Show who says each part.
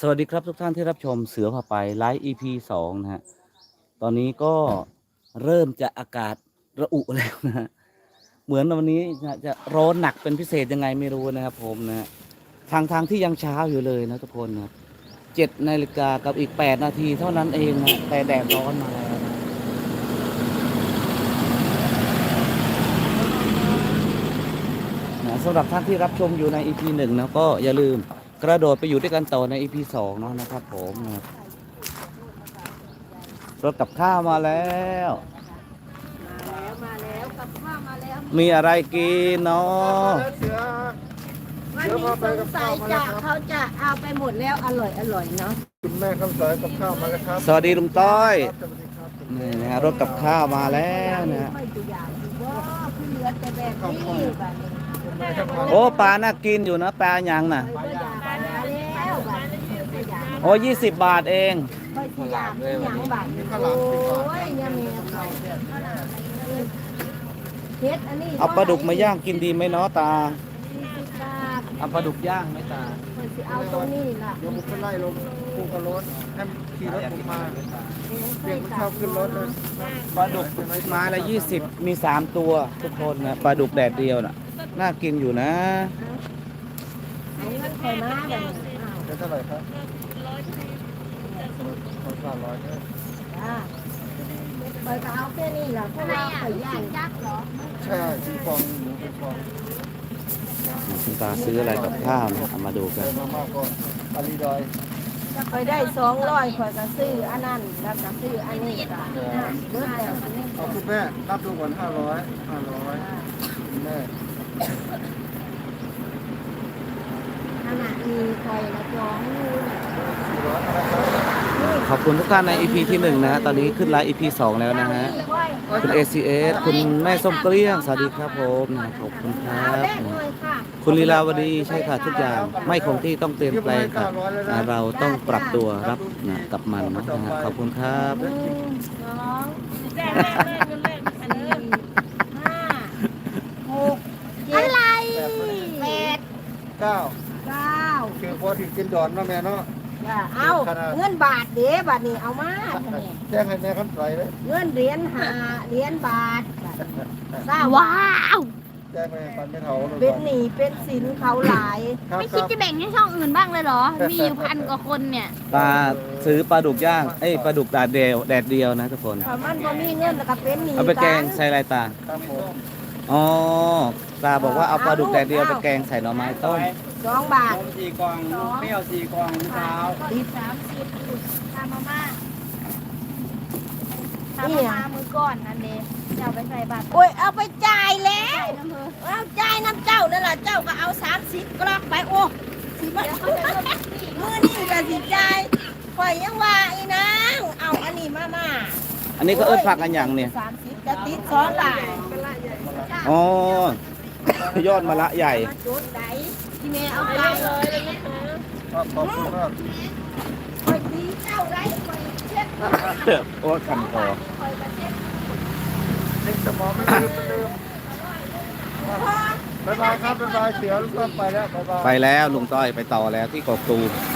Speaker 1: สวัสดีครับทุกท่านที่รับชมเสือพาไปไลฟ์ EP 2นะฮะตอนนี้ก็เริ่มจะอากาศระอุแล้วนะฮะเหมือนวันนี้จะร้อนหนักเป็นพิเศษยังไงไม่รู้นะครับผมนะฮะทางที่ยังเช้าอยู่เลยนะทุกคนนะ7 นาฬิกากับอีก8 นาทีเท่านั้นเองนะแต่แดดร้อนมาแล้วนะสำหรับท่านที่รับชมอยู่ใน EP 1นะก็อย่าลืมกระโดดไปอยู่ด้วยกันต่อใน EP 2เนาะนะครับผมนะรถกับข้าวมาแล้ว
Speaker 2: มาแล้วกับข้าวมาแล้ว
Speaker 1: มีอะไรกินเนาะ
Speaker 2: วันนี้สงสัยจะเขาจะเอาไปหมดแล้วอร่อยเนาะ
Speaker 3: คุณแม่คำสอยกับข้าวมาแล้วครับ
Speaker 1: สวัสดีลุงต้อย
Speaker 3: สวัสดีครับ
Speaker 1: นี่นะฮะรถกับข้าวมาแล้วนะฮะ
Speaker 2: ไม่ตัวอย่างว่าคือเหลือแต่แบบนี้แบบนี้
Speaker 3: คุณแม่ครับ
Speaker 1: โอ้ปลาน่ากินอยู่นะปลายังน่ะ
Speaker 2: ตัวอย่างมาแล้วแบบตัวอย่าง
Speaker 1: โอ้20 บาทเอง
Speaker 2: ค่อยตัวอย่างที่อย่างแบบโอ้ยเนี่ยมีเขาเฮ็ดอันนี้
Speaker 1: เอาปลาดุกมาย่างกินดีไหมเนาะตา
Speaker 2: 40 บาท
Speaker 1: เอาปลาดุกย่างไหมตา
Speaker 2: เพิ่นสิเอาตรงนี้ล่ะ
Speaker 3: เดี๋ยวผมไปไล่ลงภูกระโล้นให้ขี่รถผมมาเรียกมันเข้าขึ้นรถเลย
Speaker 1: ปลาดุกไม้ละ20มี3ตัวทุกคนนะปลาดุกแดดเดียวน่ะน่ากินอยู่นะ
Speaker 2: อันนี้มันเคยมาแบบนี้อ้าว
Speaker 3: จะเท่าไหร่ครับ100เนี่ย
Speaker 2: จ้าไปก็เอาแค่นี้ล่ะเพราะว่าไปย่างยักษ์เหรอ
Speaker 3: ใช่ที่ฟองหมูเป็นฟอง
Speaker 1: คุณตาซื้ออะไรกับข้าวนะเอามาดูกัน
Speaker 3: เติมมากก็อาลีดอย
Speaker 2: จะไปได้200ข่อยก็ซื้ออันนั้นแล้วก็ซื้ออันนี้ก็เบิดแล้วอันนี้
Speaker 3: เอาคุณแม่นับดูก่อน500คุณแม่
Speaker 2: ขนาดมีข่อยละจ้องอยู่
Speaker 3: 400นะครับ
Speaker 1: ขอบคุณทุกท่านใน EP ที่1นะฮะตอนนี้ขึ้นไลฟ์ EP 2แล้วนะฮะคุณ ACS คุณแม่ส้มเกลี้ยงสวัสดีครับผมนะขอบคุณครั
Speaker 2: เอา
Speaker 1: บ
Speaker 2: แรกหน่อยค่ะ
Speaker 1: คุณลีลาวดีใช่ค่ะทุกอย่างไม่คงที่ต้องเปลี่ยนแปลงค่ะเราต้องปรับตัวรับนะกับมันนะฮะขอบคุณครับ
Speaker 2: 1 2 4 5 6 7 8
Speaker 3: 9
Speaker 2: 9
Speaker 3: คือพอที่กินดอนเนาะแม่เนาะ
Speaker 2: จ้ะเอาเงินบาทเด้บาทนี้เอามาเนี่ย
Speaker 3: แจ้งให้แม่คำสอยเลย
Speaker 2: เงินเหรียญ5เหรียญบาททราบ
Speaker 4: ว้าว
Speaker 3: แจ้งให้ปันไม่เท่าเลย
Speaker 2: เป็นหนี้เป็นสินเขาหลาย
Speaker 3: ครับ
Speaker 4: ไม่
Speaker 3: ค
Speaker 4: คิด
Speaker 3: รับ
Speaker 4: จะแบ่งให้ช่องอื่นบ้างเลยเหรอ มีอยู่1,000 กว่าคนเนี่ย
Speaker 1: ปลาซื้อปลาดุกย่างเอ้ยปลาดุกแดดเดียวนะทุกคน
Speaker 2: ถ้ามันบ่มีเงินแล้วก็เป็นหนี้
Speaker 1: เอาไปแกงใส่อะไรตา
Speaker 3: ครับผม
Speaker 1: อ๋อตาบอกว่าเอาปลาดุกแดดเดียวไปแกงใส่หน่อไม้ต้ม
Speaker 2: 2 บาท
Speaker 5: 4 กล่องเปรี้ยว4 กล่องเช้า
Speaker 2: ติด
Speaker 4: ทำมาม่าทำมาม่ามือก่อนนั่นเองจะเอาไปใส่บาตร
Speaker 2: โอ้ยเอาไปจ่ายแล้ว
Speaker 4: น้ำเพอ
Speaker 2: เอาจ่ายน้ำเจ้านั่นล่ะเจ้าก็เอา30กลอกไปโอ้สิมามื้อนี้ก็สิจ่ายข่อยยังว่าอีนางเอาอันนี้มา
Speaker 1: อันนี้ก็เอิ้นผักกันอย่างเนี่ย
Speaker 2: 30จะติดซ้อนหลาย
Speaker 1: อ๋อยอดมะละใหญ่
Speaker 2: มาจุดไหนที่แม่เอาไปเลย
Speaker 3: ครับขอบคุณมาก
Speaker 2: ข่อยตีเจ้าไรข่อยเช็ดข่อย
Speaker 1: โอ้คันคอ
Speaker 2: ก็เช็ด
Speaker 3: เด็กสมองไม่ลืมบ๊ายบายครับบ๊ายบายเสียลูกก็ไปแล้วบ๊ายบาย
Speaker 1: ไปแล้วลุงต้อยไปต่อแล้วที่กกตูม